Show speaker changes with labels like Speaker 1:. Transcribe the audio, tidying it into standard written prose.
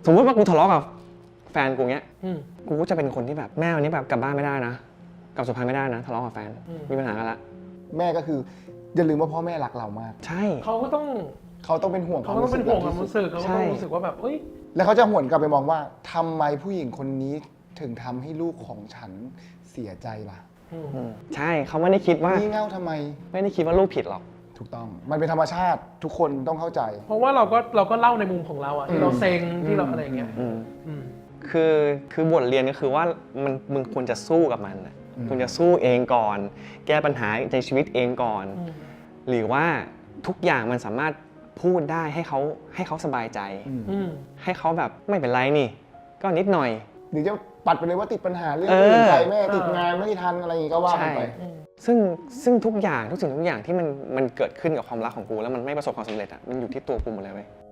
Speaker 1: สมมติว่ากูทะเลาะกับแฟนกูเงี้ยกูก็จะเป็นคนที่แบบแม่วันนี้แบบกลับบ้านไม่ได้นะกลับสุพรรณไม่ได้นะทะเลาะกับแฟนมีปัญหากันละ
Speaker 2: แม่ก็คืออย่าลืมว่าพ่อแม่รักเรามาก
Speaker 1: ใช่
Speaker 3: เขาก็ต้อง
Speaker 2: เป็นห่วง
Speaker 3: เขาต้องเป็นห่วงความรู้สึกเขาก็ต้องรู้สึกว่าแบบเอ้ย
Speaker 2: แล้วเขาจะหวนกลับไปมองว่าทำไมผู้หญิงคนนี้ถึงทำให้ลูกของฉันเสียใจล่ะ
Speaker 1: ใช่เขาไม่ได้คิดว่า
Speaker 2: งี่เง่าทำไม
Speaker 1: ไม่ได้คิดว่าลูกผิดหรอก
Speaker 2: ถูกต้องมันเป็นธรรมชาติทุกคนต้องเข้าใจ
Speaker 3: เพราะว่าเราก็เล่าในมุมของเราอะที่เราเซ็งที่เราอะไรเงี้ย
Speaker 1: คือบทเรียนก็คือว่ามึงควรจะสู้กับมันคุณจะสู้เองก่อนแก้ปัญหาในชีวิตเองก่อนหรือว่าทุกอย่างมันสามารถพูดได้ให้เขาสบายใจให้เขาแบบไม่เป็นไรนี่ก็นิดหน่อย
Speaker 2: หรือจะปัดไปเลยว่าติดปัญหาเรื่องอื่นไปแม่ติดงานไม่ทันอะไรอย่างงี้ก็ว่ากันไป
Speaker 1: ซึ่งทุกสิ่งทุกอย่างที่มันเกิดขึ้นกับความรักของกูแล้วมันไม่ประสบความสำเร็จอ่ะมันอยู่ที่ตัวกูหมดเลยเว้ย